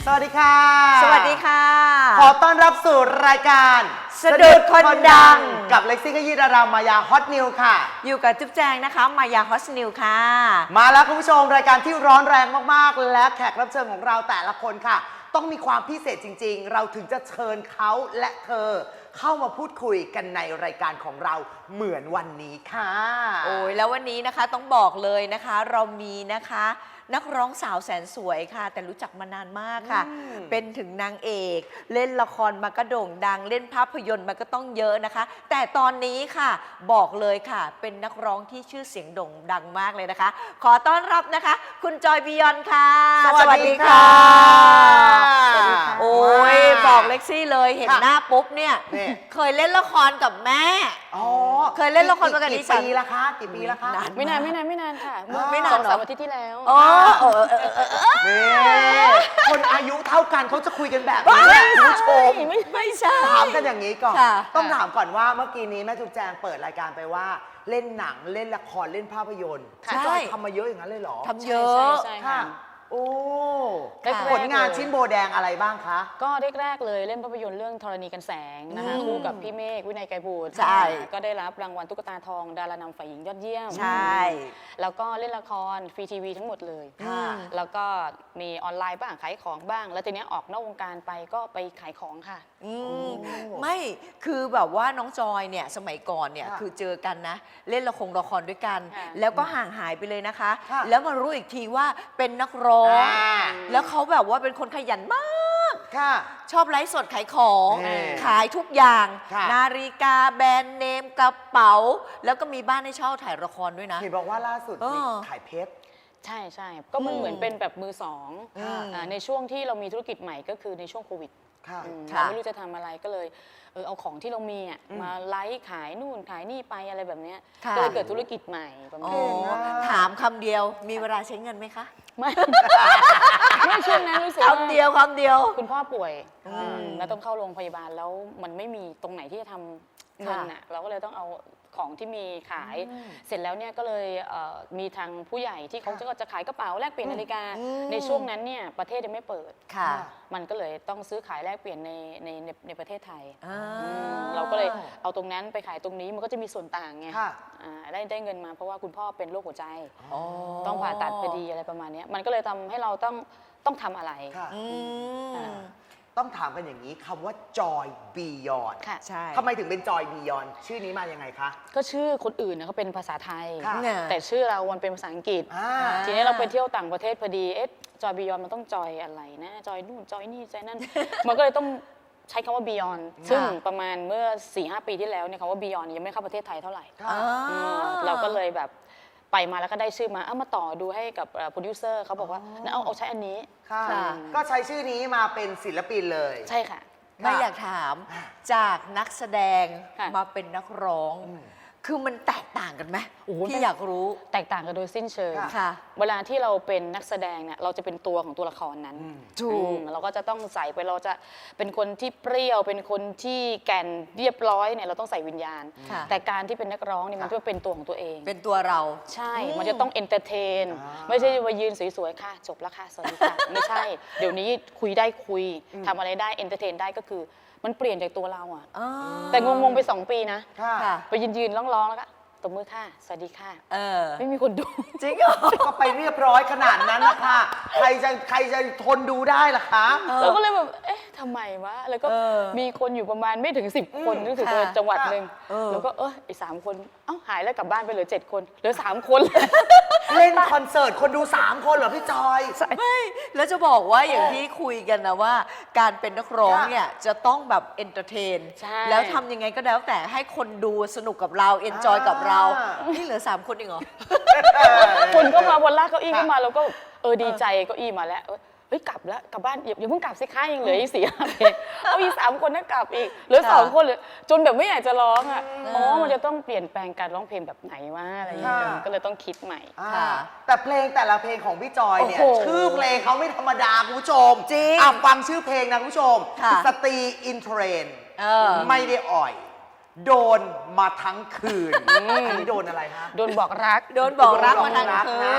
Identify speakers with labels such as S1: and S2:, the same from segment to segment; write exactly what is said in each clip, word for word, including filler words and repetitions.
S1: สวัสดีค่ะ
S2: สวัสดีค่ะ
S1: ขอต้อนรับสู่รายการ
S2: สะดุดคนดัง
S1: กับเล็กซี่ขยี้ดารามายาฮอตนิวค่ะ
S2: อยู่กับจุ๊บแจงนะคะมายาฮอตนิวค่ะ
S1: มาแล้วคุณผู้ชมรายการที่ร้อนแรงมากๆและแขกรับเชิญของเราแต่ละคนค่ะต้องมีความพิเศษจริงๆเราถึงจะเชิญเขาและเธอเข้ามาพูดคุยกันในรายการของเราเหมือนวันนี้ค่ะ
S2: โอ้ยแล้ววันนี้นะคะต้องบอกเลยนะคะเรามีนะคะนักร้องสาวแสนสวยค่ะแต่รู้จักมานานมากค่ะเป็นถึงนางเอกเล่นละครมาก็โด่งดังเล่นภาพยนตร์มาก็ต้องเยอะนะคะแต่ตอนนี้ค่ะบอกเลยค่ะเป็นนักร้องที่ชื่อเสียงโด่งดังมากเลยนะคะขอต้อนรับนะคะคุณจอยบียอนค่ะ
S1: สวัสดีค่ะ
S2: โอ้ยบอกเล็กซี่เลยเห็นหน้าปุ๊บเนี่ยเคยเล่นละครกับแม่เคยเล่นละครมากับดิฉัน
S1: กี่ปีละคะกี่ปีละคะ
S3: ไม่นานไม่นานไม่นานค่ะ
S2: ไม่นาน
S3: สองสามอาทิตย์ที่แล้ว
S2: อ๋อ
S1: นี่คนอายุเท่ากันเขาจะคุยกันแบบนี้คุณผู้ชม
S2: ไม่ไม่ใช่
S1: ถามกันอย่างนี้ก่อนต้องถามก่อนว่าเมื่อกี้นี้แม่จุ๊บแจงเปิดรายการไปว่าเล่นหนังเล่นละครเล่นภาพยนตร์จอยทำมาเยอะอย่างนั้นเลยเหรอ
S2: ทำเยอะ
S1: ค่ะโอ้ผลงานชิ้นโบแดงอะไรบ้างคะ
S3: ก็แรกๆเลยเล่นภาพยนตร์เรื่องธรณีกันแสงนะคะคู่กับพี่เมฆวินัยไกรบูตร
S2: ใช่
S3: ก็ได้รับรางวัลตุ๊กตาทองดารานำฝ่ายหญิงยอดเยี่ยม
S2: ใช่
S3: แล้วก็เล่นละครฟรีทีวีทั้งหมดเลยแล้วก็มีออนไลน์บ้างขายของบ้างแล้วทีนี้ออกนอกวงการไปก็ไปขายของค่ะ
S2: ไม่คือแบบว่าน้องจอยเนี่ยสมัยก่อนเนี่ยคือเจอกันนะเล่นละครละครด้วยกันแล้วก็ห่างหายไปเลยนะคะแล้วมารู้อีกทีว่าเป็นนักร้องแล้วเขาแบบว่าเป็นคนขยันมากชอบไลฟ์สดขายของขายทุกอย่างนาฬิกาแบรนด์เนมกระเป๋าแล้วก็มีบ้านให้เช่าถ่ายละครด้วยนะ
S1: เห็นบอกว่าล่าสุดขายเพชร
S3: ใช่ใช่ก็มันเหมือนเป็นแบบมือสองในช่วงที่เรามีธุรกิจใหม่ก็คือในช่วงโควิดเราไม่รู้จะทำอะไรก็เลยเออเอาของที่เรามีอ่ะมาไลฟ์ขายนู่นขายนี่ไปอะไรแบบเนี้ยก็เลยเกิดธุรกิจใหม่ประมาณนี้
S2: ถามคำเดียวมีเวลาใช้เงินไหมคะ
S3: ไม่ไม่ช่วงนั้นรู้สึก
S2: คำเดียวคำเดียว
S3: คุณพ่อป่วยแล้วต้องเข้าโรงพยาบาลแล้วมันไม่มีตรงไหนที่จะทำเงินอ่ะเราก็เลยต้องเอาของที่มีขายเสร็จแล้วเนี่ยก็เลยมีทางผู้ใหญ่ที่เขาจะขายกระเป๋าแลกเปลี่ยนนาฬิกาในช่วงนั้นเนี่ยประเทศยังไม่เปิดมันก็เลยต้องซื้อขายแลกเปลี่ยนในในในประเทศไทยเราก็เลยเอาตรงนั้นไปขายตรงนี้มันก็จะมีส่วนต่างไงได้ได้เงินมาเพราะว่าคุณพ่อเป็นโรคหัวใจต้องผ่าตัดพอดีอะไรประมาณนี้มันก็เลยทำให้เราต้องต้องทำอะไร
S1: ต้องถามกันอย่างนี้คำว่าจอยบียอน
S2: ใช่
S1: ทำไมถึงเป็นจอยบียอนชื่อนี้มายังไงคะ
S3: ก็ชื่อคนอื่นนะเขาเป็นภาษาไทยแต่ชื่อเรามันเป็นภาษาอังกฤษทีนี้เราไปเที่ยวต่างประเทศพอดีเอ๊ะจอยบียอนมันต้องจอยอะไรนะจอยนู่นจอยนี่จอยนั่นมันก็เลยต้องใช้คำว่าบียอนซึ่งประมาณเมื่อ สี่ห้า ปีที่แล้วเนี่ยคำว่าบียอนยังไม่เข้าประเทศไทยเท่าไหร่เราก็เลยแบบไปมาแล้วก็ได้ชื่อมาเอามาต่อดูให้กับโปรดิวเซอร์เขาบอกว่าเอาเอาใช้อันนี้
S1: ก็ใช้ชื่อนี้มาเป็นศิลปินเลย
S3: ใช่ค่ะ
S2: ไม่อยากถามจากนักแสดงมาเป็นนักร้องคือมันแตกต่างกันไหมพี่อยากรู้
S3: แตกต่างกันโดยสิ้นเชิงเวลาที่เราเป็นนักแสดงเนี่ยเราจะเป็นตัวของตัวละครนั้น
S2: ถูก
S3: เราก็จะต้องใส่ไปเราจะเป็นคนที่เปรี้ยวเป็นคนที่แก่นเรียบร้อยเนี่ยเราต้องใส่วิญญาณแต่การที่เป็นนักร้องเนี่ยมันจะเป็นตัวของตัวเอง
S2: เป็นตัวเรา
S3: ใช่มันจะต้องเอนเตอร์เทนไม่ใช่มายืนสวยๆค่ะจบแล้วค่ะสวัสดีค่ะไม่ใช่เดี๋ยวนี้คุยได้คุยทำอะไรได้เอนเตอร์เทนได้ก็คือมันเปลี่ยนจากตัวเราอ่ะแต่งงๆไปสองปีนะไปยืนๆร้องๆแล้วก็ตบมือค่ะสวัสดีค่ะไม่มีคนดู
S2: จริงเหรอ
S1: ก็ไปเรียบร้อยขนาดนั้นนะคะใครจะใครจะทนดูได้ล่ะคะ
S3: เราก็เลยแบบเอ๊ะทำไมวะแล้วก็มีคนอยู่ประมาณไม่ถึงสิบคนรู้สึกว่าจังหวัดหนึ่งแล้วก็เออไอ้สามคนเอ้าหายแล้วกลับบ้านไปเหลือเจ็ดคนเหลือสามคน
S1: เล่นคอนเสิร์ตคนดูสามคนเหรอพี่จอย
S2: ไม่แล้วจะบอกว่าอย่างที่คุยกันนะว่าการเป็นนักร้องเนี่ยจะต้องแบบเอนเตอร์เทนแล้วทำยังไงก็แล้วแต่ให้คนดูสนุกกับเราเอนจอยกับเรานี่เหลือสามคนเองเหรอ
S3: คนก็มาวันแรกเก้าอี้ก็มาแล้วก็เออดีใจเก้าอี้มาแล้วเฮ้ยกลับแล้วกลับบ้านอย่าเพิ่งกลับสิคะยังเหลืออีกสี่ห้าเพลงเอาอีกสามคนนั่งกลับอีกเหลือสองคนเลยจนแบบไม่อยากจะร้องอ่ะอ๋อมันจะต้องเปลี่ยนแปลงการร้องเพลงแบบไหนวะอะไรอย่างเงี้ยก็เลยต้องคิดใหม่
S1: แต่เพลงแต่ละเพลงของพี่จอยเนี่ยชื่อเพลงเขาไม่ธรรมดาคุณผู้ชม
S2: จริง
S1: ฟังชื่อเพลงนะคุณผู้ชมสตรีอินเทรนไม่ได้อ่อยโดนมาทั้งคืนอันนี้โดนอะไรฮะ
S3: โดนบอกรัก
S2: โดนบอกรักมาทั้งคืน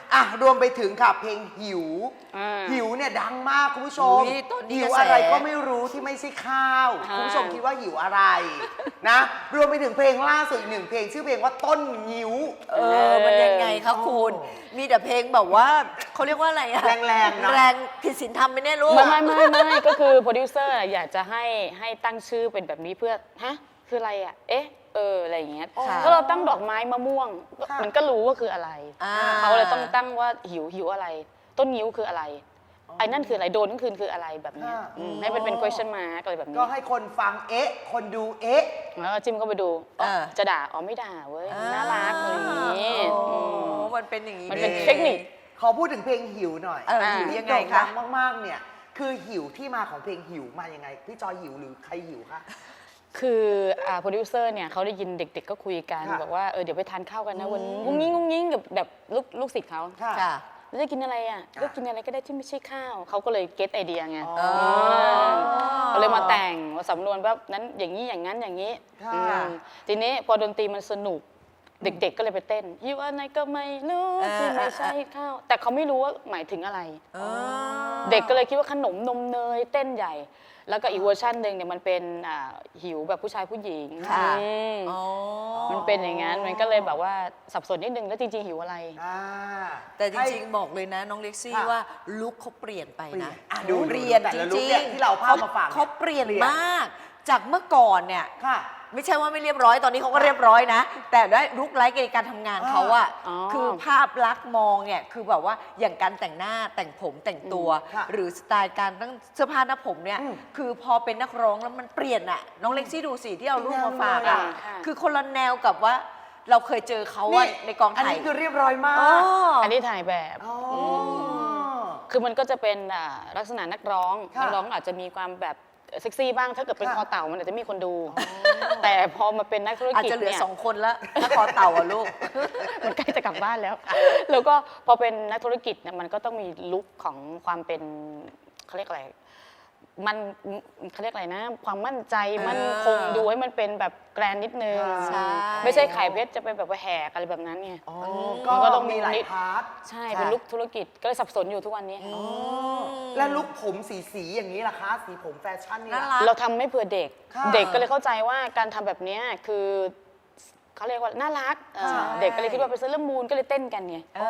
S1: อ่ะรวมไปถึงค่ะเพลงหิว
S3: อ่า
S1: หิวเนี่ยดังมากคุณผู้ชม
S2: อุ๊ยตอนนี้
S1: หิว
S2: กระแส
S1: อะไรก็ไม่รู้ที่ไม่ใช่ข้าว
S3: อ่า
S1: คุณผู้ชมคิดว่าหิวอะไรนะรวมไปถึงเพลงล่าสุดอีกหนึ่งเพลงชื่อเพลงว่าต้นหิว
S2: เออ มันยังไงคะคุณ
S1: โอ้
S2: มีแต่เพลงแบบว่าเขาเรียกว่าอะไรอะ
S1: แรงๆเนอะ
S2: แรงผิดศีลธรรมไม่แน่รู้
S3: ไม่ไม่ไม่ไม่ก็คือโปรดิวเซอร์อยากจะให้ให้ตั้งชื่อเป็นแบบนี้เพื่อฮะคืออะไรอ่ะเอ๊ะเอออะไรอย่างเงี้ย
S2: ค่ะ
S3: ถ้าเราตั้งดอกไม้มะม่วง
S1: ค่ะ
S3: มันก็รู้ว่าคืออะไร
S2: อ่า
S3: เขาเลยต้องตั้งว่าหิวหิวอะไร ต้นงิ้วคืออะไรไอ้นั่นคืออะไรโดนนั่นคือคืออะไรแบบเนี้ย
S1: ค่ะ
S3: อืมให้เป็นเป็น question mark อะไรแบบนี้
S1: ก็ให้คนฟังเอ๊ะ คนดูเอ๊ะ
S3: แล้วก็จิ้มเข้าไปดูอ๋อ
S2: เออ
S3: จะด่าอ๋อไม่ด่าเว้ยน่ารักอะไรอย่างนี้
S2: โอ้
S3: อืม
S2: มันเป็นอย่างนี้
S3: มันเป็น
S2: อง
S3: เทคนิค
S1: ขอพูดถึงเพลงหิวหน่อย
S2: เออหิว
S1: ที่
S2: ยังไง
S1: โด่
S2: คะ
S1: ดังมากๆเนี่ยคือหิวที่มาของเพลงหิวมายังไงพี่จอยหิวหรือใครหิวคะ
S3: คืออ่าโปรดิวเซอร์เนี่ยเขาได้ยินเด็กๆก็คุยกัน
S1: ค่ะ
S3: บอกว่าเออเดี๋ยวไปทานข้าวกันนะวันนี้งุ้งงิ้งงุ้งงิ้งกับแบบลูกลูกศิษย์เขา
S1: ค่ะ
S2: ค่ะ
S3: แล้วจะกินอะไรอ่ะ
S1: ค่ะ
S3: ก็กินอะไรก็ได้ที่ไม่ใช่ข้าวเขาก็เลยเก็ตไอเดียไง
S1: อ๋อ
S3: ก็เลยมาแต่งมาสำนวนว่านั้นอย่างนี้อย่างนั้นอย่างนี้
S1: ค่ะ
S3: อืมทีนี้พอดนตรีมันสนุกเด็กๆก็เลยไปเต้นหิวอะไรก็ไม่รู้
S2: เออ
S3: ที่ไม่ใช่ข้าวแต่เขาไม่รู้ว่าหมายถึงอะไร
S2: อ๋อ
S3: เด็กก็เลยคิดว่าขนมนมเนยเต้นใหญ่ แล้วก็อีกเวอร์ชันหนึ่งเนี่ยมันเป็นอ่าหิวแบบผู้ชายผู้หญิง
S2: ค่ะ
S3: อืม
S2: อ๋อ
S3: มันเป็นอย่างนั้นมันก็เลยแบบว่าสับสนนิดนึงแล้วจริง ๆ หิวอะไร
S1: อ่า
S2: แต่จ
S1: ให้
S2: ริงๆ บอกเลยนะ น้องเล็กซี่
S1: ค่ะ
S2: ว่าลุคเขาเปลี่ยนไปนะ
S1: เปลี่ยนอ่ะดู
S2: เปลี่ยน
S1: แต่
S2: จ
S1: ละลุค
S2: ริง
S1: เนี่ยที่เราเอาภาพมาฝาก
S2: เขาเปลี่ยน
S1: เปลี่ยน
S2: มาก จากเมื่อก่อนเนี่ย
S1: ค่ะ
S2: ไม่ใช่ว่าไม่เรียบร้อยตอนนี้เขาก็เรียบร้อยนะ แต่ด้วยลุคไลฟ์ในการทำงานเขาอะ
S3: อ๋อ
S2: คือภาพลักษณ์มองเนี่ยคือแบบว่าอย่างการแต่งหน้าแต่งผมแต่งตัว
S1: ค่ะ
S2: หรือสไตล์การตั้งเสื้อผ้าหน้าผมเนี่ย
S1: อืม
S2: คือพอเป็นนักร้องแล้วมันเปลี่ยนอะน้องเล็กซี่ดูสิที่เอารูปมาฝาก
S1: แนวเลย
S2: อะ
S1: อะ
S3: ค่ะ
S2: คือคนละแนวกับว่าเราเคยเจอเขาอะในกอง
S1: อัน
S2: ถ่าย
S1: นี้คือเรียบร้อยมา
S2: อ๋อก
S3: อันนี้ถ่ายแบบ
S1: อ๋ออ
S3: คือมันก็จะเป็นอ่าลักษณะนักร้อง
S1: ค่ะ
S3: นักร้องอาจจะมีความแบบเซ็กซี่บ้างถ้าเกิดเป็น
S1: ค่ะ
S3: คอเต่ามันอาจจะมีคนดู แต่พอมาเป็นนักธุร
S2: อาจ
S3: กิจ
S2: จะเหลือ
S3: เนี่ย
S2: สองคนละถ้าคอเต่าอะลูก
S3: มันใกล้จะกลับบ้านแล้ว แล้วก็พอเป็นนักธุรกิจเนี่ยมันก็ต้องมีลุคของความเป็นเขาเรียกอะไร มันเขาเรียกอะไรนะ ความมั่นใจ
S2: เออ
S3: มั่นคงดูให้มันเป็นแบบแกรนนิดนึง
S2: ใช่
S3: ไม่ใช่ขายเพชรจะไปแบบว่าแหกอะไรแบบนั้นไง
S1: อ๋อ
S3: มัน
S1: ก็
S3: ก็ต้
S1: ต้อ
S3: อง งมี
S1: มีหลายพาร์ท
S3: ใช่
S2: ค่ะ
S3: เป็นลุคธุรกิจก็เลยสับสนอยู่ทุกวันนี้
S1: และลุคผมสีสีๆอย่างนี้ล่ะคะ สีผมแฟชั่นนี่
S2: น่า
S1: ล่ะ
S2: รัก
S3: เราทำไม่เผื่อเด็ก
S1: ค่ะ
S3: เด็กก็เลยเข้าใจว่าการทำแบบเนี้ยคือเขาเรียกว่าน่ารักเออ
S1: ใช่
S3: เด็กก็เลยคิดว่าเป็นเซเลอร์มูนก็เลยเต้นกันไง
S2: อ๋อ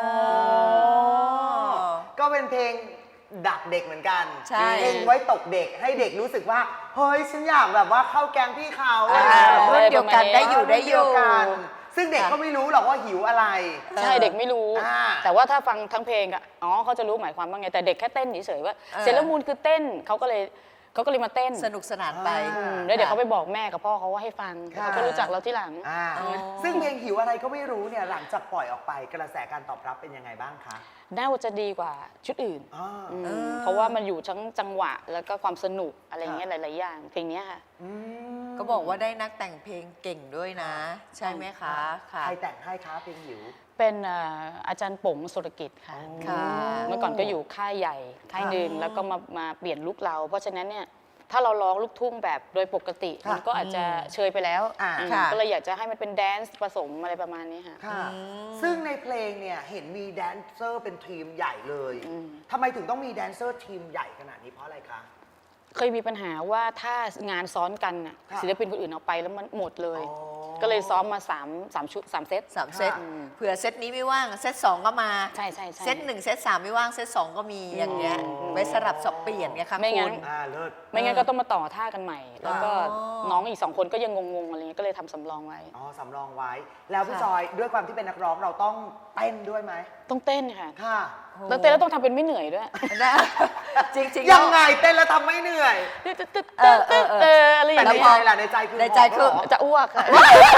S1: ก็เป็นเพลงดักเด็กเหมือนกัน
S2: ใช่
S1: เพลงไว้ตกเด็กให้เด็กรู้สึกว่าเฮ้ยฉันอยากแบบว่าเข้าแกงพี่เขา
S2: อ่า
S1: อะไร
S2: รุ่นเดียวกันได้อยู่ได้อ
S1: เดี
S2: ยู่
S1: วกันซึ่งเด็กก็ไม่รู้หรอกว่าหิวอะไร
S3: ใช่เด็กไม่รู้
S1: อ่า
S3: แต่ว่าถ้าฟังทั้งเพลงอะอ๋อเขาจะรู้หมายความว่าไงแต่เด็กแค่เต้นเฉยๆว่า
S2: เออ
S3: เซเลอร์มูนคือเต้นเขาก็เลยเขาก็เลยมาเต้น
S2: สนุกสนานไป
S1: อ่า
S3: อืมแล้วเดี๋ยวเขาไปบอกแม่กับพ่อเขาว่าให้ฟัง
S1: ค่ะ
S3: เขาก็รู้จักเราที่หลัง
S1: อ่า
S2: อ๋อ
S1: ซึ่งเพลงหิวอะไรก็ไม่รู้เนี่ยหลังจากปล่อยออกไปกระแสการตอบรับเป็นยังไงบ้างคะ
S3: น่าจะดีกว่าชุดอื่น
S1: อ่า
S3: อืม
S2: เออ
S3: เพราะว่ามันอยู่ทั้งจังหวะแล้วก็ความสนุกอะไรอย่างเงี้ยหลาย ๆ อย่างเพลงเนี้ยค่ะ
S1: อืม
S2: ก็บอกว่าได้นักแต่งเพลงเก่งด้วยนะ ใช่ไหมคะค่ะ
S1: ใครแต่งให้คะเพลงหิว
S3: เป็นเอ่ออาจารย์ป๋งสุรกิจค่ะ
S2: ค่ะ
S3: เมื่อก่อนก็อยู่ค่ายใหญ่ค่ายหนึ่ง
S2: อ๋อ
S3: แล้วก็มามาเปลี่ยนลุคเรา เพราะฉะนั้นเนี่ยถ้าเราร้องลูกทุ่งแบบโดยปกติ
S1: ค่ะ
S3: มันก็อาจจะเชยไปแล้ว
S1: อ่า
S3: อืม
S2: ค่ะ
S3: ก็เลยอยากจะให้มันเป็นแดนซ์ผสมอะไรประมาณนี้ค่ะ
S1: ค่ะ
S2: อืม
S1: ซึ่งในเพลงเนี่ยเห็นมีแดนเซอร์เป็นทีมใหญ่เลย
S3: อืม
S1: ทำไมถึงต้องมีแดนเซอร์ทีมใหญ่ขนาดนี้เพราะอะไรคะ
S3: เคยมีปัญหาว่าถ้างานซ้อนกันน่ะ
S1: ค่ะ
S3: ศิลปินคนอื่นเอาไปแล้วมันหมดเลย
S1: อ๋อ
S3: ก็เลยซ้อมมาสามสามชุดสามเซต
S2: สามเซต
S1: อืม
S2: เผื่อเซตนี้ไม่ว่าง เซตสองก็มา
S3: ใช่ใช่ใช่
S2: เซตหนึ่งเซตสามไม่ว่าง เซตสองก็มีอย่างเงี้ย
S1: อ๋อ
S2: ไว้สลับสับเปลี่ยนไงคะ
S3: ไม่งั้
S2: คุ
S3: น
S2: ณ
S1: อ่าเลิศ
S3: ไม่งั้นก็ต้องมาต่อท่ากันใหม่ แล้วก็
S2: อ๋อ
S3: น้องอีกสองคนก็ยังงงๆอะไรเงี้ยก็เลยทำสำรองไว้
S1: อ๋อสำรองไว้ แล้วพี่
S2: ค่ะ
S1: จอยด้วยความที่เป็นนักร้องเราต้องเต้นด้วยไหม
S3: ต้องเต้นค่ะ
S1: ค่ะ
S3: แล้วเต้นแล้วต้องทำเป็นไม่เหนื่อยด้วย
S2: นะจริงๆ
S1: ยัง
S2: แล้ว
S1: ไงเต้นแล้วทำไม่เหนื่อย
S2: เออเออเออ
S3: เอออะไรอ
S1: แต่
S3: ย่าง
S1: ใน
S3: เงี้
S1: ใจ
S3: ย
S1: ล่ะในใจคือ
S2: ในใจคือ
S1: หบเหร
S3: จะอ้วกค่ะ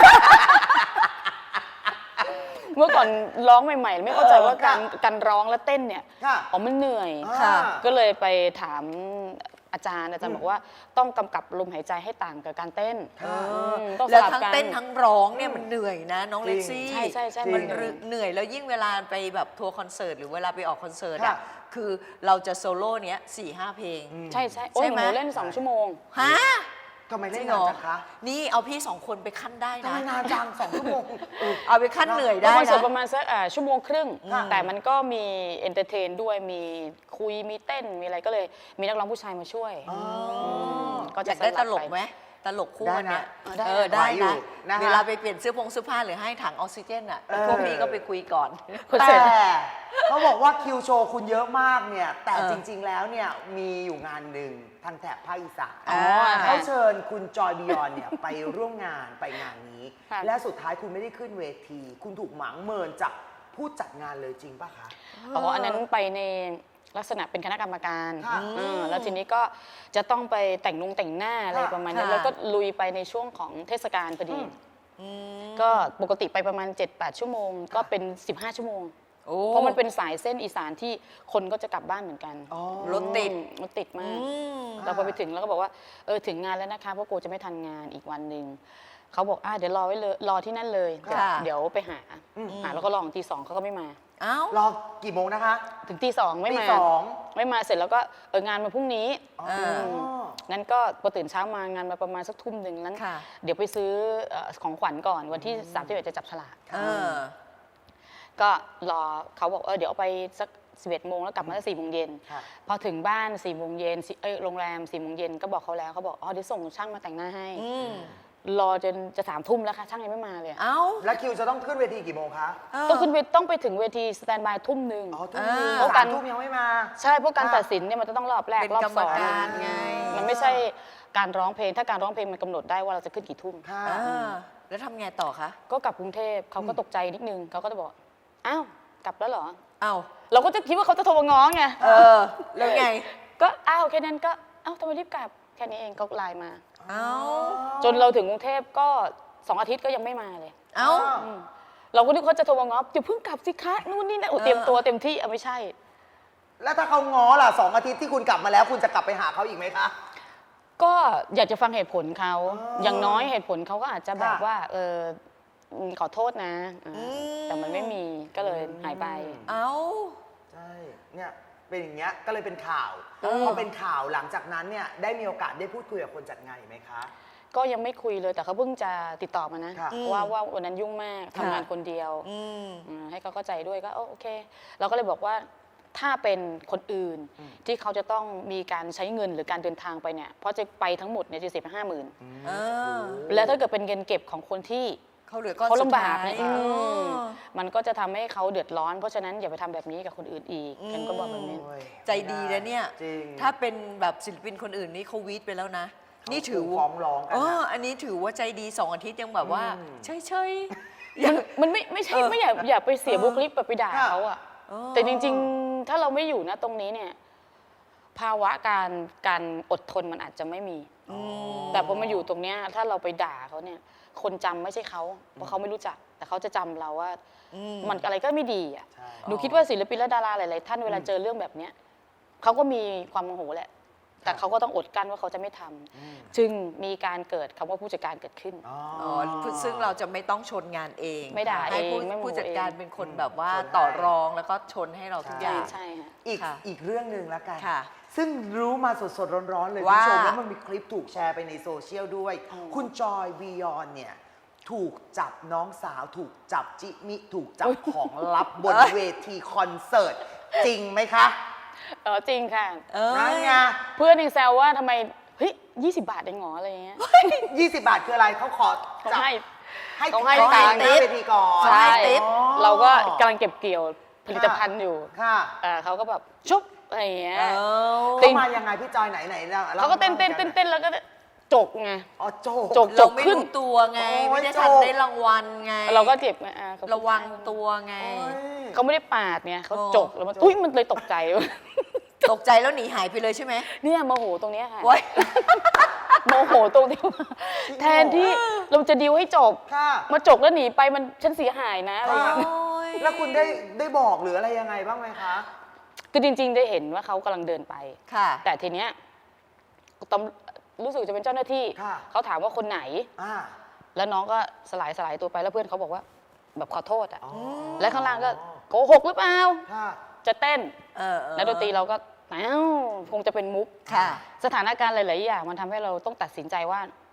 S3: เมื่อก่อนร้องใหม่ๆ ไม่เข้าใจว่าการการร้องและเต้นเนี่ย
S1: ค่ะ
S3: อ๋อมันเหนื่อย
S2: ค่ะ
S3: ก็เลยไปถามอาจารย์อาจารย์บอกว่าต้องกำกับลมหายใจให้ต่างกับการเต้น
S1: ค่ะ
S3: มต้องส
S2: แล้ว
S3: ลับ
S2: ทั้ง
S3: กัน
S2: เต้นทั้งร้องเนี่ยมันเหนื่อยนะน้อง
S1: จริ
S2: เล็
S1: ง
S2: กซี่
S3: ใช่ใช่ใช่
S2: มัน
S3: เหนื่อย
S2: เหนื่อยแล้วยิ่งเวลาไปแบบทัวร์คอนเสิร์ตหรือเวลาไปออกคอนเสิร์ต
S1: ค่ะ
S2: อ่ะคือเราจะโซโล่เนี้ยสี่ห้าเพลง
S3: ใช่ใช่โอ้ย
S2: ใช่ไหม
S3: หนูเล่นสองชั่วโมง
S2: ฮะ
S1: ทำไม
S2: จ
S1: เล่
S2: ริ
S1: น
S2: งเหร
S1: นาน
S2: อ
S1: จังคะ
S2: นี่เอาพี่สองคนไปขั้นได้
S1: ทำ
S2: นะ
S1: ไมนานจังสองชั่วโมงเออ
S2: เอาไปขั้นเหนื่อย
S3: ก็
S2: ได้
S3: คอนเสิร์ต
S2: นะ
S3: ประมาณสักอ่าชั่วโมงครึ่ง
S1: ค่ะ
S3: แต่มันก็มีเอนเตอร์เทนด้วยมีคุยมีเต้นมีอะไรก็เลยมีนักร้องผู้ชายมาช่วย
S1: อ๋อ
S3: ก็
S2: อ
S3: จะ
S2: ยากได้ตลก
S3: สลับไป
S2: ไหมตลกคู่กันเนี่ย
S1: ได้นะ
S2: เออได้
S1: ไหวอยู่
S2: นะ
S1: นะคะ
S2: เวลาไปเปลี่ยนเสื้อผงเสื้อผ้าหรือให้ถังออกซิเจนอ่ะ
S1: เออ
S2: พวกพี่ก็ไปคุยก่อน
S3: คอนเสิ
S1: แต่
S3: ร์ต
S1: เขาบอกว่าคิวโชว์คุณเยอะมากเนี่ย แต่
S2: เออ
S1: จริง ๆ แล้วเนี่ยมีอยู่งานหนึ่งทางแถบภาคอีสาน
S2: อ๋อ
S1: เขาเชิญคุณจอยบิยอนเนี่ยไปร่วมงานไปงานนี้
S3: ค่ะ
S1: และสุดท้ายคุณไม่ได้ขึ้นเวที คุณถูกหมางเมินจากผู้จัดงานเลยจริงป่ะคะ
S3: อ๋ออันนั้นไปในลักษณะเป็นคณะกรรมการ
S1: ค่ะ
S3: อ่าแล้วทีนี้ก็จะต้องไปแต่งนุงแต่งหน้าอะไร
S1: ค่ะ
S3: ประมาณนี้
S2: ค่ะ
S3: แล้วก็ลุยไปในช่วงของเทศกาลพอดี
S1: อืม
S2: อืม
S3: ก็ปกติไปประมาณ เจ็ดแปด ชั่วโมง ก็เป็น สิบห้า ชั่วโมง
S2: โอ้
S3: เพราะมันเป็นสายเส้นอีสานที่คนก็จะกลับบ้านเหมือนกัน
S1: อ๋อ
S2: รถติด
S3: รถติดมาก
S2: อืม
S3: เราพอไปถึงแล้วก็บอกว่าเออถึงงานแล้วนะคะเพราะกูจะไม่ทันงานอีกวันหนึ่งเขาบอกอ่ะเดี๋ยวรอไว้เลยรอที่นั่นเลยเดี๋ยว
S2: ค่ะ
S3: เดี๋ยวไปหา
S1: อืม
S3: หาแล้วก็รอถึงตีสองเขาก็ไม่มา
S2: เอ้าร
S1: อกี่โมงนะคะ
S3: ถึงตีสองไม่
S1: ตี
S3: มา
S1: สอง
S3: ไม่มาเสร็จแล้วก็เอองานมาพรุ่งนี้
S1: อ๋อ
S2: เออ
S3: นั้นก็พอตื่นเช้ามางานมาประมาณสักทุ่มหนึ่งนั้น
S2: ค่ะ
S3: เดี๋ยวไปซื้อเอ่อของขวัญก่อนวันที่สามสิบเอ็ดจะจับฉลาก
S2: เออ
S3: ก็รอเขาบอกเออเดี๋ยวเอาไปสักสิบเอ็ดโมงแล้วกลับมาสักสี่โมงเย็น
S1: ค่ะ
S3: พอถึงบ้านสี่โมงเย็นสิเอ้ยโรงแรมสี่โมงเย็นก็บอกเขาแล้วเขาบอกอ๋อเดี๋ยวส่งช่างมาแต่งหน้าให้
S2: อืม
S3: รอจนจะสามทุ่มแล้วค่ะช่างยังไม่มาเลยอะ
S2: เอ้า
S1: แล้วคิวจะต้องขึ้นเวทีกี่โมงคะ
S2: เออ
S3: ต้องขึ้นเวทต้องไปถึงเวทีสแตนบายทุ่มหนึ่ง
S1: อ๋อทุ่มหนึง
S2: อ่า
S1: สามทุ่มยังไม่มา
S3: ใช่เพราะการ
S1: ค่ะ
S3: ตัดสินเนี่ยมันจะต้องรอบแรก
S2: เป็น
S3: รอบ
S2: กรร
S3: ส
S2: ม
S3: อง
S2: การไง
S3: มันไม่ใช่การร้องเพลงถ้าการร้องเพลงมันกำหนดได้ว่าเราจะขึ้นกี่ทุ่ม
S1: ค่ะ
S2: อ่าแล้วทำไงต่อคะ
S3: ก็กลับกรุงเทพเขาก็ตกใจนิดนึงเขาก็จะบอกอ้าวกลับแล้วเหรอ
S2: เอ้า
S3: เราก็จะคิดว่าเขาจะโทรมาง้อไง
S2: เออ แล้วไง
S3: ก็อ้าวแค่นั้นก็อ้าวทำไมรีบกลับแค่นี้เองก็ไลน์มา
S2: เอ้า
S3: จนเราถึงกรุงเทพก็สองอาทิตย์ก็ยังไม่มาเลย
S2: เอ้า
S3: อืมเราก็นึกเขาจะโทรมาง้ออย่าเพิ่งกลับสิคะนู่นนี่นะโอ้เตรียมตัวเต็มที่เอาไม่ใช่
S1: แล้วถ้าเขาง้อล่ะสองอาทิตย์ที่คุณกลับมาแล้ว คุณจะกลับไปหาเขาอีกไหมคะ
S3: ก็อยากจะฟังเหตุผลเขา
S1: อ๋อ
S3: อ
S1: อย่าง
S3: น้อยเหตุผลเขาก็อาจจะแบบ
S1: ค่ะ
S3: ว่าเอออืมขอโทษนะอ่า
S2: อืม
S3: แต่มันไม่มีก็เลยหายไป
S2: เอ้า
S1: ใช่เนี่ยเป็นอย่างเงี้ยก็เลยเป็นข่าว
S2: เออ
S1: พอเป็นข่าวหลังจากนั้นเนี่ยได้มีโอกาสได้พูดคุยกับคนจัดงานอีกไหมคะ
S3: ก็ยังไม่คุยเลยแต่เขาเพิ่งจะติดต่อมานะ
S1: ค่ะ
S3: ว่าว่าวันนั้นยุ่งมากทำงาน
S2: ค่ะ
S3: คนเดียว
S2: อืม
S3: อืมให้เขาเข้าใจด้วยก็โอเค เราก็เลยบอกว่าถ้าเป็นคนอื่นที่เขาจะต้องมีการใช้เงินหรือการเดินทางไปเนี่ยเพราะจะไปทั้งหมดเนี่ยจะเสียไปห้าหมื่น
S2: เออ
S3: แล้วถ้าเกิดเป็นเงินเก็บของคนที่
S2: เขาเหลือก้อน
S3: เขา
S2: สุด
S3: ลำบาก
S2: ท้าย
S3: เนี่ย
S2: เอ
S3: อืม
S2: อ
S3: มันก็จะทำให้เขาเดือดร้อน เพราะฉะนั้นอย่าไปทำแบบนี้กับคนอื่นอีก
S2: อืม
S3: ฉันก็บอกแบบนี้
S1: โอ้ย
S2: ใจดีนะเนี่ย
S1: จริง
S2: ถ้าเป็นแบบศิลปินคนอื่นนี่เขาวีดไปแล้วนะ นี่ถือ
S1: เขาฟ้องร้องกัน
S2: เอ
S1: นะ
S2: ออันนี้ถือว่าใจดีสองอาทิตย์ยังแบบว่า
S1: อืม
S2: เฉยเฉยๆ
S3: มันมันไม่ไม่ใช่
S2: เออ
S3: ไม่อยากอยากไปเสีย
S2: เออ
S3: บุคลิกแบบไปด่า
S1: ค่ะ
S3: เขาอะ
S2: เออ
S3: แต่จริง ๆ ถ้าเราไม่อยู่นะตรงนี้เนี่ย ภาวะการการอดทนมันอาจจะไม่มี
S2: อืม
S3: แต่พอมาอยู่ตรงเนี้ยถ้าเราไปด่าเขาเนี่ย คนจำไม่ใช่เขาเพราะเขาไม่รู้จัก แต่เขาจะจำเราว่า
S2: อืม
S3: มันอะไรก็ไม่ดีอ่ะ
S1: ใช่
S3: หนูคิดว่าศิลปินและดาราหลาย ๆ ท่านเวลาเจอเรื่องแบบเนี้ยเขาก็มีความโมโหแหละ แต่เขาก็ต้องอดกั้นว่าเขาจะไม่ทำ
S1: อืม
S3: จึงมีการเกิดคำว่าผู้จัดการเกิดขึ้น
S1: อ๋อ
S2: อ๋อซึ่งเราจะไม่ต้องชนงานเอง
S3: ไม่ด่า
S2: ให้ผู้
S3: เองไม่โมโห
S2: ผู้จัดการ
S3: เอง
S2: เป็นคนแบบว่า
S1: ชนให้
S2: ต่อรองแล้วก็ชนให้เราทุกอ
S3: ใช่
S2: ย่าง
S3: ใช่ค่ะ
S1: อีก
S2: ค่ะ
S1: อีกเรื่องหนึ่งแล้วกัน
S2: ค่ะ
S1: ซึ่งรู้มาสดๆ ร้อนๆ เลยคุณ
S2: ว่า
S1: ผู้ชมแล้วมันมีคลิปถูกแชร์ไปในโซเชียลด้วย
S3: อืม
S1: คุณจอยบียอนเนี่ย ถูกจับน้องสาว ถูกจับจิมิ ถูกจับของลับบนเวทีคอนเสิร์ต จริงไหมคะ
S3: เออจริงค่ะ
S2: เออ
S1: นั่นไง
S3: เพื่อนยังแซวว่าทำไมเฮ้ยยี่สิบบาทเองเหรออะไรอย่างเงี้ย
S1: ยี่สิบบาทคืออะไรเขาขอ
S3: เขา
S1: จับ
S3: ให้
S1: ให้
S3: เขาให้
S1: เขาให้
S3: ตังค์
S1: หน้าเวทีก่อน
S3: ใช่
S2: ติ๊บ
S1: อ๋อ
S3: เราก็กำลังเก็บเกี่ยวผลิตภัณฑ์อยู่
S1: ค่ะ
S3: เอ่อเขาก็แบบชุบอะไรอย่างเงี้ย
S2: เออ
S3: จริ
S1: เขา
S3: ง
S1: มายังไงพี่จอยไหนไหนล่ะ
S3: เขาก็เต้นเต้นเต้นเต้นแล้วก็จกไง
S1: อ๋อโจ
S3: จก
S2: เราไม่
S3: ขึ้น
S2: รู้ตัวไง
S1: โอ้ย
S2: ไม่ได้ทัน
S1: โจก
S2: ได้รางวัลไง
S3: เราก็เจ็บไงอ่าเขา
S2: ระวังตัวไง
S1: โอ้ย
S3: เขาไม่ได้ปาดไงเขา
S2: โอ้
S3: จกแล้วมันอุ้ยมันเลยตกใจ
S2: ตกใจแล้วหนีหายไปเลยใช่ไหม
S3: เนี่ยโมโหตรงเนี้ยค่ะ
S2: โว้ย
S3: โมโหตรงที่ว่าแทนที่เราจะดิวให้จบ
S1: ค่ะ
S3: มาจกแล้วหนีไปมันฉันเสียหายนะอะไรอย่างเงี้ย
S2: โอ้ย
S1: แล้วคุณได้ได้บอกหรืออะไรยังไงบ้างไหมคะ
S3: คือจริง ๆ ได้เห็นว่าเขากำลังเดินไป
S2: ค่ะ
S3: แต่ทีเนี้ยตำรู้สึกจะเป็นเจ้าหน้าที่
S1: ค่ะ
S3: เขาถามว่าคนไหน
S1: อ่า
S3: แล้วน้องก็สลายสลายตัวไปแล้วเพื่อนเขาบอกว่าแบบขอโทษอ่ะ
S1: อ๋อ
S3: และข้างล่างก็โกหกหรือเปล่า
S1: ค่ะ
S3: จะเต้น
S2: เออเออ
S3: แล้วดนตรีเราก็อ้าวคงจะเป็นมุก
S2: ค่ะ
S3: สถานการณ์หลาย ๆ อย่างมันทำให้เราต้องตัดสินใจว่า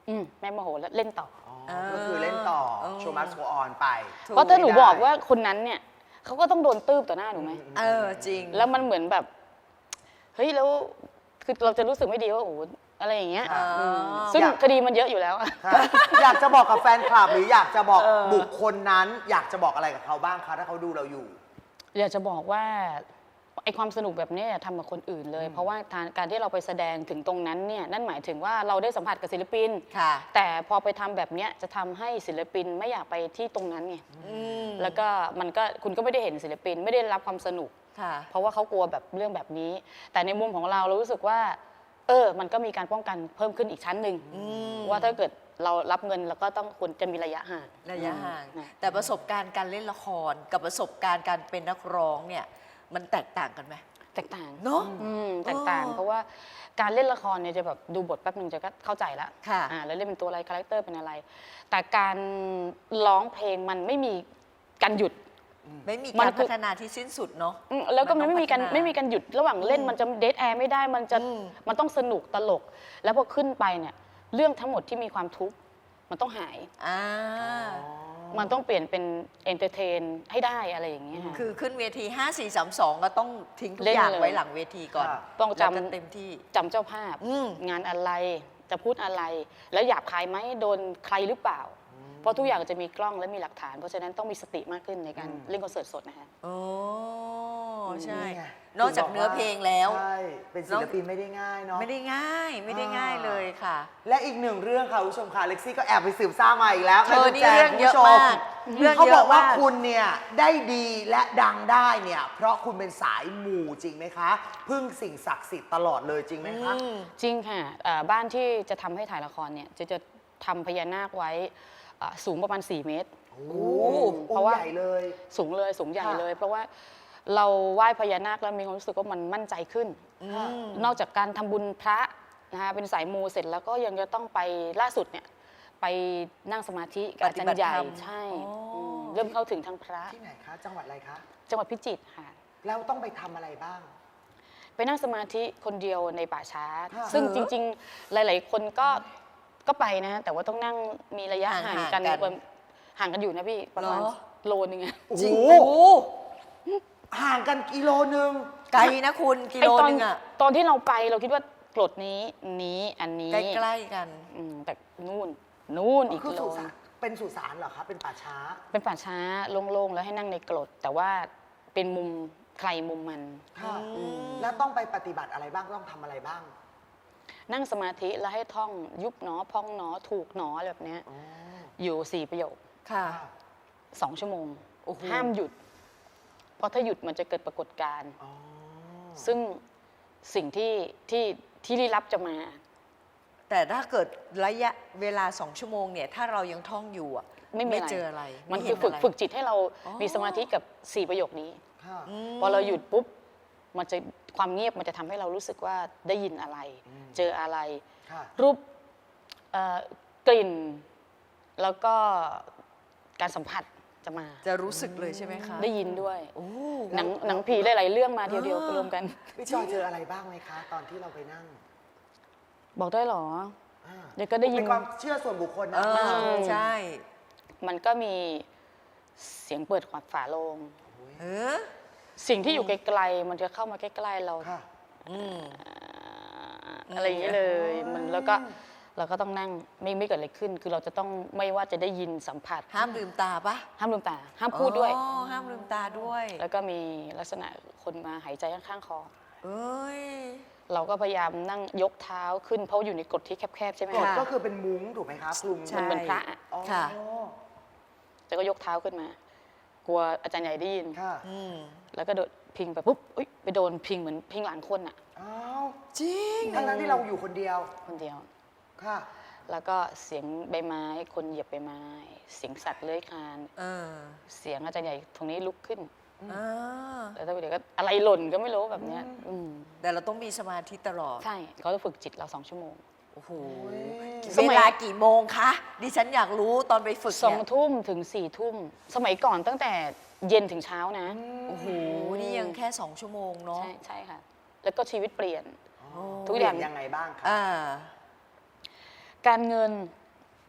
S3: อืมแม่โมโหแล้วเล่นต่อ
S1: อ๋อก็คือเล่นต่อ
S2: เออ
S1: โชว์มัสโกออนไป
S2: ถูก
S3: เพราะถ้าหนู
S1: ไม่ได้
S3: บอกว่าคนนั้นเนี่ยเขาก็ต้องโดนตืบต่อหน้าหนูไหม
S2: เออจริง
S3: แล้วมันเหมือนแบบเฮ้ยแล้วคือเราจะรู้สึกไม่ดีว่าโอ้โหอะไรอย่างเงี้ย
S2: อ่า
S3: อืมซึ่ง
S1: อยาก
S3: คดีมันเยอะอยู่แล้วอะ
S1: ค่ะอยากจะบอกกับแฟนคลับหรืออยากจะบอก
S2: เออ
S1: บุคคลนั้น อยากจะบอกอะไรกับเขาบ้างคะถ้าเขาดูเราอยู่
S3: อยากจะบอกว่าไอความสนุกแบบเนี้ยทำกับคนอื่นเลย เพราะว่าทางการที่เราไปแสดงถึงตรงนั้นเนี่ยนั่นหมายถึงว่าเราได้สัมผัสกับศิลปิน
S2: ค่ะ
S3: แต่พอไปทำแบบเนี้ยจะทำให้ศิลปินไม่อยากไปที่ตรงนั้นไง
S2: อืม
S3: แล้วก็มันก็คุณก็ไม่ได้เห็นศิลปินไม่ได้รับความสนุก
S2: ค่ะ
S3: เพราะว่าเขากลัวแบบเรื่องแบบนี้ แต่ในมุมของเราเรารู้สึกว่า เออ มันก็มีการป้องกันเพิ่มขึ้นอีกชั้นหนึ่ง
S2: อืม
S3: ว่าถ้าเกิดเรารับเงินแล้วก็ต้องควรจะมีระยะห่าง
S2: ระยะห่าง
S3: อืม
S2: แต่ประสบการณ์การเล่นละครกับประสบการณ์การเป็นนักร้องเนี่ยมันแตกต่างกันไหม
S3: แตกต่าง
S2: เนอะ
S3: อืมแตกต่าง
S2: เออ
S3: เพราะว่าการเล่นละครเนี่ยจะแบบดูบทแป๊บหนึ่งจะก็เข้าใจละ
S2: ค่ะ
S3: อ่าแล้วเล่นเป็นตัวอะไรคาแรคเตอร์เป็นอะไร แต่การร้องเพลงมันไม่มีการหยุด
S2: ไม่มี
S3: มั
S2: การ
S3: นคือ
S2: พัฒนาที่สิ้นสุดเนาะ
S3: อืมแล้วก็
S2: มั
S3: มัน น
S2: ต้อง
S3: ไม่มีการ
S2: พัฒนา
S3: ไม่มีการหยุดระหว่างเล่น
S2: อืม
S3: มันจะเดทแอร์ไม่ได้มันจะ
S2: อืม
S3: มันต้องสนุกตลก แล้วพอขึ้นไปเนี่ยเรื่องทั้งหมดที่มีความทุกข์มันต้องหาย
S2: อ่า
S3: มันต้องเปลี่ยนเป็นเอนเตอร์เทนให้ได้อะไรอย่างเงี้ยค่ะ
S2: คือขึ้นเวที ห้า สี่ สาม สอง ก็ต้องทิ้งทุก
S3: เล่น
S2: อย่าง
S3: เลย
S2: ไว้หลังเวทีก่อน
S1: ค่ะ
S3: ต้องจำ
S2: แล้วก็เต็มที่
S3: จำเจ้าภาพ
S2: อืม
S3: งานอะไรจะพูดอะไร แล้วหยาบคายไหมโดนใครหรือเปล่า เพราะทุกอย่างจะมีกล้องและมีหลักฐาน เพราะฉะนั้นต้องมีสติมากขึ้นในการเล่นคอนเสิร์ตสดนะคะ
S2: โอ้ใช่
S1: นี่ไง
S2: นอกจากเนื้อเพลงแล้ว
S1: ใช่เป็นศิลปินไม่ได้ง่ายเนาะ
S2: ไม่ได้ง่ายไม่ได้ง่ายเลยค่ะ
S1: และอีกหนึ่งเรื่องค่ะคุณผู้ชมค่ะเล็กซี่ก็แอบไปสืบทราบมาอีกแล้ว
S2: เธอนี่
S1: แม่
S2: เรื่อง
S1: คุณ
S2: เยอะ
S1: ผู้ช
S2: มากเรื่อง
S1: เขา
S2: เย
S1: บ
S2: อะ
S1: อกว่าม
S2: าก
S1: คุณเนี่ยได้ดีและดังได้เนี่ยเพราะคุณเป็นสายมูจริงไหมคะ พึ่งสิ่งศักดิ์สิทธิ์ตลอดเลยจริงไหมคะ
S2: อืม
S3: จริงค่ะเอ่อบ้านที่จะทำให้ถ่ายละครเนี่ยจะจะทำพญานาคไว้เอ่อสูงประมาณ สี่ เมตร
S1: โอ้โห
S3: เพราะว่า
S1: องค์ใหญ่เลย
S3: สูงเลยสูงใหญ่
S1: ค่ะ
S3: เลย เพราะว่าเราไหว้พญานาคแล้วมีความรู้สึกว่ามันมั่นใจขึ้น
S1: ค่ะ
S3: นอกจากการทำบุญพระนะคะเป็นสายมูเสร็จแล้วก็ยังจะต้องไปล่าสุดเนี่ยไปนั่งสมาธิกับอาจารย์ใหญ่
S2: ปฏิบัติธรรม
S3: ใช่
S2: อ๋ออื
S3: มเริ่มเข้าถึงทางพระ
S1: ที่ไหนคะ จังหวัดอะไรคะ
S3: จังหวัดพิจิตรค่ะ
S1: แล้วต้องไปทำอะไรบ้าง
S3: ไปนั่งสมาธิคนเดียวในป่าช้า
S1: ค่ะ
S3: ซึ่ง
S2: เออ
S3: จริงๆ หลาย ๆ คนก็ก็ไปนะ แต่ว่าต้องนั่งมีระยะห่างกัน
S2: ห่างกัน
S3: ประมาณห่างกันอยู่นะพี่ประมาณ
S2: เหรอ
S3: โลนึงอะ
S1: โอ้
S2: จริง
S1: โห
S2: โอ้
S1: ห่างกันกิโลนึง
S2: ไกลนะคุณกิ
S3: ไอ้
S2: โล
S3: ตอน
S2: นึงอะ
S3: ตอนที่เราไปเราคิดว่ากรดนี้นี้อันนี้
S2: ใกล้ๆกัน
S3: อืมแต่นู่นนู่นอีก
S1: คือ
S3: กิโล
S1: สุสานเป็นสุสานเหรอคะ เป็นป่าช้า
S3: เป็นป่าช้าโล่งๆ แล้วให้นั่งในกรด แต่ว่าเป็นมุมใครมุมมัน
S1: ค่ะ
S2: อืม
S1: แล้วต้องไปปฏิบัติอะไรบ้าง ต้องทำอะไรบ้าง
S3: นั่งสมาธิแล้วให้ท่องยุบหนอพองหนอถูกหนออะไรแบบเนี้ย
S1: อ๋อ
S3: อยู่สี่ประโยค
S2: ค่ะ
S1: ค่ะ
S3: สองชั่วโมง
S2: โอ้โห
S3: ห้ามหยุด เพราะถ้าหยุดมันจะเกิดปรากฏการณ์
S1: อ๋อ
S3: ซึ่งสิ่งที่ที่ที่ลี้ลับจะมา
S2: แต่ถ้าเกิดระยะเวลาสองชั่วโมงเนี่ย ถ้าเรายังท่องอยู่อะ
S3: ไม่มีอะไร
S2: เจออะไร
S3: มัน
S2: ไ
S3: คือฝึก
S2: เห็ะไร
S3: ฝึกจิตให้เรา
S2: อ๋อ
S3: มีสมาธิกับสี่ประโยคนี้
S1: ค่ะ
S2: ม
S3: พอเราหยุดปุ๊บ มันจะความเงียบมันจะทำให้เรารู้สึกว่าได้ยินอะไร เจออะไร
S1: ค่ะ
S3: รูปเอ่อกลิ่น แล้วก็การสัมผัสจะมา
S2: จะรู้สึกเลยใช่ไหมคะ
S3: ได้ยินด้วย
S2: โอ้
S3: หนังหนังผีหลายๆเรื่องมาเดียวๆรวมกัน
S1: พี่จอยเจออะไรบ้างไหมคะ ตอนที่เราไปนั่ง
S3: บอกได้เหรอ
S1: อ่า
S3: เดี๋ยวก็ได้ยิน
S1: เป็นความเชื่อส่วนบุคคล
S2: เอ
S1: นะ
S2: อใช่
S3: มันก็มีเสียงเปิดขวดฝาโลง
S2: เออ
S3: สิ่งที่อยู่ไกลๆมันจะเข้ามาใกล้ๆเรา
S1: ค่ะ
S2: อืม
S3: อะไรอย่างนี้เลย มันแล้วก็เราก็ต้องนั่งไม่ไม่เกิดอะไรขึ้น คือเราจะต้องไม่ว่าจะได้ยินสัมผัส
S2: ห้ามลืมตาปะ
S3: ห้ามลืมตา ห้ามพูดด้วย
S2: อ๋อห้ามลืมตาด้วย
S3: แล้วก็มีลักษณะคนมาหายใจข้างๆคอ
S2: เอ้ย
S3: เราก็พยายามนั่งยกเท้าขึ้นเพราะอยู่ในกฎที่แคบๆใช่ไหม
S1: กฎ
S3: คะ
S1: ก็คือเป็นมุ้งถูกไหมคะคลุม
S2: ใช่
S3: มันเป็นพระอะ
S1: อ๋อ
S2: ค่ะ
S3: แล้วก็ยกเท้าขึ้นมา กลัวอาจารย์ใหญ่ได้ยิน
S1: ค่ะ
S2: อืม
S3: แล้วก็โดดพิงไปปุ๊บอุ๊ยไปโดนพิงเหมือนพิงหลังคนอะ
S1: อ้าว
S2: จริง
S1: ทั้งนั้นที่เราอยู่คนเดียว
S3: คนเดียว
S1: ค่ะ
S3: แล้วก็เสียงใบไม้ คนเหยียบใบไม้ เสียงสัตว์เลื้อยคลาน
S2: เออ
S3: เสียงอาจารย์ใหญ่ตรงนี้ลุกขึ้น
S2: อ่า
S3: แล้วถ้าเดี๋ยวก็อะไรหล่นก็ไม่รู้แบบเนี้ยอืม
S2: แต่เราต้องมีสมาธิตลอด
S3: ใช่เขาจะฝึกจิตเราสองชั่วโมง
S2: โอ้โห
S3: ส
S2: เว
S3: มัย
S2: ลากี่โมงคะ ดิฉันอยากรู้ตอนไปฝึก
S3: สอง
S2: เนี่ย
S3: ทุ่มถึงสี่ทุ่ม สมัยก่อนตั้งแต่เย็นถึงเช้านะ
S2: โอ้โห นี่ยังแค่สองชั่วโมงเนาะ
S3: ใช่ใช่ค่ะ แล้วก็ชีวิตเปลี่ยน
S2: โอ้
S3: ทุกอย่าง
S1: เปลี่นยังไงบ้างคะ
S2: อ่า
S3: การเงิน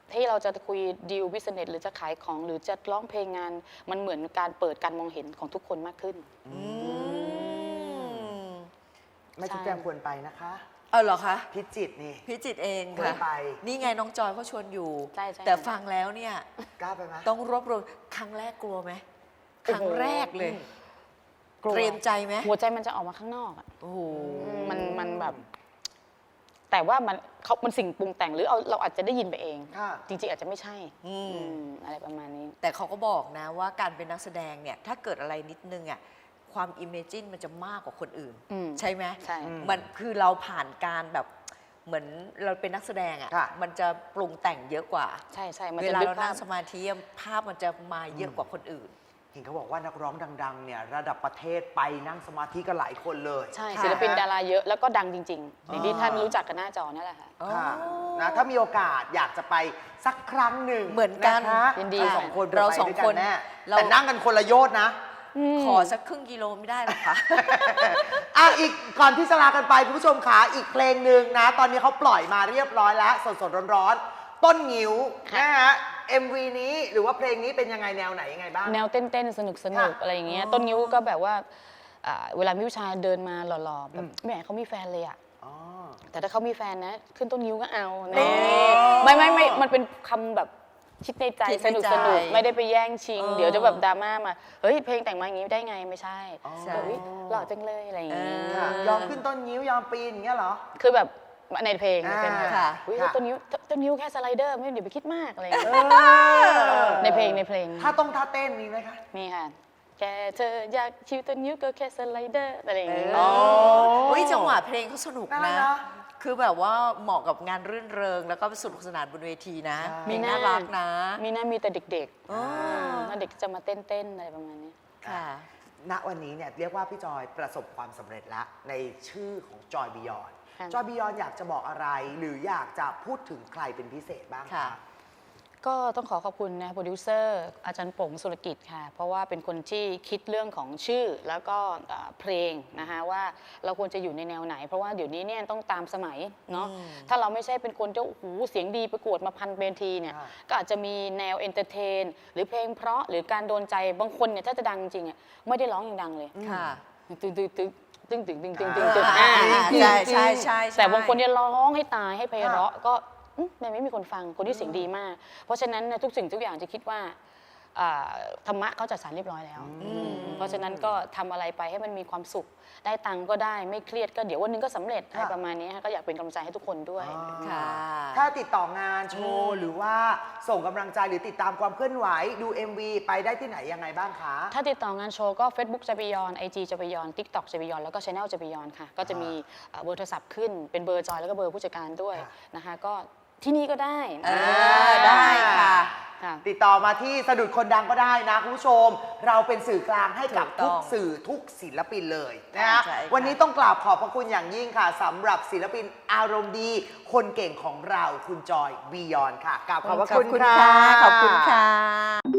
S3: ที่เราจะคุยดีลบิสเนสหรือจะขายของหรือจะร้องเพลงงานมันเหมือนการเปิดการมองเห็นของทุกคนมากขึ้น
S2: อืม
S1: ไม่ทุกแจงควรไปนะคะ
S2: เออเหรอคะ
S1: พิจิตรนี่
S2: พิจิตรเอง
S1: เคย
S2: ค่ะ
S1: ไป
S2: นี่ไงน้องจอยเขาชวนอยู่
S3: ใช่ใช่
S2: แต่ฟังแล้วเนี่ย
S1: กล้าไปไหม
S2: ต้องรวบรวมครั้งแรกกลัวไหมครั้งแรกเลย
S3: กลัว
S2: เตรียมใจไหม
S3: หัวใจมันจะออกมาข้างนอกอะ
S2: โอ้โห
S3: มันมันแบบ แต่ว่ามันเขามันสิ่งปรุงแต่งหรือเอาเราอาจจะได้ยินไปเอง
S1: ค่ะ
S3: จริงๆอาจจะไม่ใช่
S2: อืม
S3: อืมอะไรประมาณนี้
S2: แต่เขาก็บอกนะว่าการเป็นนักแสดงเนี่ย ถ้าเกิดอะไรนิดนึงอ่ะความอิมเมจินมันจะมากกว่าคนอื่น
S3: อืม
S2: ใช่ไหม
S3: ใช่
S1: อืม
S2: มันคือเราผ่านการแบบเหมือนเราเป็นนักแสดงอ่ะ
S1: ค่ะ
S2: มันจะปรุงแต่งเยอะกว่า
S3: ใช่ใช่มัน
S2: เว
S3: จะ
S2: ลา
S3: นึก
S2: เรา
S3: ภา
S2: นั่
S3: พ
S2: งสมาธิภาพมันจะมาเยอะกว่าคนอื่น
S1: เห็นเขาบอกว่านักร้องดังๆเนี่ยระดับประเทศไปนั่งสมาธิกันหลายคนเลย
S3: ใช่
S2: ค่ะ
S3: ศิลปินดาราเยอะแล้วก็ดังจริงๆอย่างที่
S1: อ่า
S3: ท่านรู้จักกันหน้าจอนั่นแหละค่ะ
S1: ค่ะ
S2: อ๋อ
S1: นะถ้ามีโอกาสอยากจะไปสักครั้งหนึ่ง
S2: เหมือนกันะ
S3: ยินดี
S1: เรา
S3: ค่ะ
S1: สองคน
S2: เรา
S1: ไป
S2: สอง
S1: ด้วยกั
S2: คน
S1: แน่
S2: เรา
S1: แต่นั่งกันคนละโยชน์นะ
S2: ขอสักครึ่งกิโลไม่ได้หรอคะ
S1: อ่ะอีกก่อนที่จะลากันไปคุณผู้ชมขาอีกเพลงหนึ่งนะ ตอนนี้เขาปล่อยมาเรียบร้อยแล้ว สดๆร้อนๆต้นงิ้ว
S3: ค่ะ
S1: นะฮะ เอ็ม วี นี้หรือว่าเพลงนี้เป็นยังไงแนวไหนยังไงบ้าง
S3: แนวเต้นๆ สนุกสนุก
S1: ค่ะ
S3: อะไรอย่างเงี้ย
S1: อ๋อ
S3: ต้นนิ้วก็แบบว่าอ่าเวลามีผู้ชายเดินมาหล่อๆแบ
S1: อื
S3: บ
S1: ม
S3: ไม่อยากให้เขามีแฟนเลยอะ
S1: อ๋อ
S3: แต่ถ้าเขามีแฟนนะ ขึ้นต้นนิ้วก็เอา
S1: อ๋
S3: แน่
S1: อ
S3: ไม่ไม่ไม่มันเป็นคำแบบคิดในใจ
S2: คิด
S3: ส
S2: ใน
S3: นุก
S2: ใจ
S3: สนุกไม่ได้ไปแย่งชิง
S2: เออ
S3: เดี๋ยวจะแบบดราม่ามาเฮ้ยเพลงแต่งมาอย่างงี้ได้ไงไม่ใช่
S1: อ๋อ
S2: ใช่
S3: แบบเฮ้ยหล่อจังเลยอะไรอย่างงี้
S2: เอ
S1: ค่ะยอมขึ้นต้นงิ้วยอมปีนอย่างเงี้ยเหรอ
S3: คือแบบในเพลงในเพลง
S1: อ่า
S2: ค่ะ
S3: อุ้ย
S1: ค่ะ
S3: ต้นนิ้วต้นนิ้วแค่สไลเดอร์ไม่เดี๋ยวไปคิดมากอะไรอย่าง
S1: เอ
S3: เงี้ย
S1: อ
S3: ในเพลงในเพลง
S1: ถ้าต้องท่าเต้นมีไหมคะ
S3: มีค่ะ แกเธออยากชิวต้นนิ้วก็แค่สไลเดอร์อะไรอย่างงี้
S2: เออ อุ้ยจังหวะเพลงเขาสนุก
S1: น่ารัก
S2: นะ
S1: เนอะ
S2: คือแบบว่าเหมาะกับงานรื่นเริง แล้วก็สนุกสนานบนเวทีนะ
S1: ใช่
S2: มีน่ารักนะ
S3: มีน่ามีแต่เด็ก
S2: อ๋อ
S3: ๆแล้วเด็กจะมาเต้นๆอะไรประมาณนี้
S2: ค่ะ
S1: ณวันนี้เนี่ยเรียกว่าพี่จอยประสบความสำเร็จแล้วในชื่อของจอยบียอน
S3: ค่ะ
S1: จอยบียอนอยากจะบอกอะไร หรืออยากจะพูดถึงใครเป็นพิเศษบ้าง
S2: ค่ะ
S1: คะ
S3: ก็ต้องขอขอบคุณนะโปรดิวเซอร์อาจารย์ป๋งสุรกิจค่ะ เพราะว่าเป็นคนที่คิดเรื่องของชื่อแล้วก็เอ่อเพลงนะคะว่าเราควรจะอยู่ในแนวไหน เพราะว่าเดี๋ยวนี้เนี่ยต้องตามสมัยเนาะ
S2: อืม
S3: ถ้าเราไม่ใช่เป็นคนที่โอ้โหเสียงดีประกวดมาพันเวทีเนี่ย
S1: ค่ะ
S3: ก็อาจจะมีแนวเอนเตอร์เทนหรือเพลงเพราะหรือการโดนใจบางคนเนี่ยถ้าจะดังจริงๆอ่ะไม่ได้ร้องอย่างดังเลย
S2: ค่ะ
S3: ตึงตึงตึงตึงตึงตึงตึงตึง
S1: อ่า
S3: ตึง
S2: อ่า
S3: อ่า
S2: ใช่ใช่ใช่ใช่
S3: แต่บางคนเนี่ยร้องให้ตายให้ไพเราะก็อืมมันไม่มีคนฟังคนที่เสียงดีมาก เพราะฉะนั้นเนี่ยทุกสิ่งทุกอย่างจะคิดว่าอ่าธรรมะเขาจัดสรรเรียบร้อยแล้ว
S1: อืม
S3: เพราะฉะนั้นก็ทำอะไรไปให้มันมีความสุข ได้ตังค์ก็ได้ไม่เครียดก็เดี๋ยววันหนึงก็สำเร็จอะไรประมาณนี้ค่ะก็อยากเป็นกำลังใจให้ทุกคนด้วย
S1: อ๋อ
S2: ค่ะ
S1: ถ้าติดต่องานโชว์หรือว่าส่งกำลังใจหรือติดตามความเคลื่อนไหวดู เอ็ม วี ไปได้ที่ไหนยังไงบ้างคะ
S3: ถ้าติดต่องานโชว์ก็ Facebook จะไปยอน ไอ จี จะไปยอน TikTok จะไปยอน แล้วก็ Channel จะไปยอนค่ะ ก็จะมีเอ่อเบอร์โทรศัพท์ขึ้น เป็นเบอร์จอยแล้วก็เบอร์ผู้จัดการด้วย
S1: ค่ะ
S3: นะคะ ก็ที่นี่ก็ได้
S2: เออได้ค่ะ
S3: ค่ะ
S1: ติดต่อมาที่สะดุดคนดังก็ได้นะคุณผู้ชม เราเป็นสื่อกลางให้กับ
S2: ถูกต้
S1: ทุ
S2: อก ง
S1: สื่อทุกศิลปินเลยนะฮะ
S2: ใช่ค่ะ
S1: วันนี้ต้องกราบขอบพระคุณอย่างยิ่งค่ะสำหรับศิลปินอารมณ์ดี คนเก่งของเราคุณจอยบียอนค่ะกราบขอบพระคุณค่ะ
S2: ขอบคุณค่ะ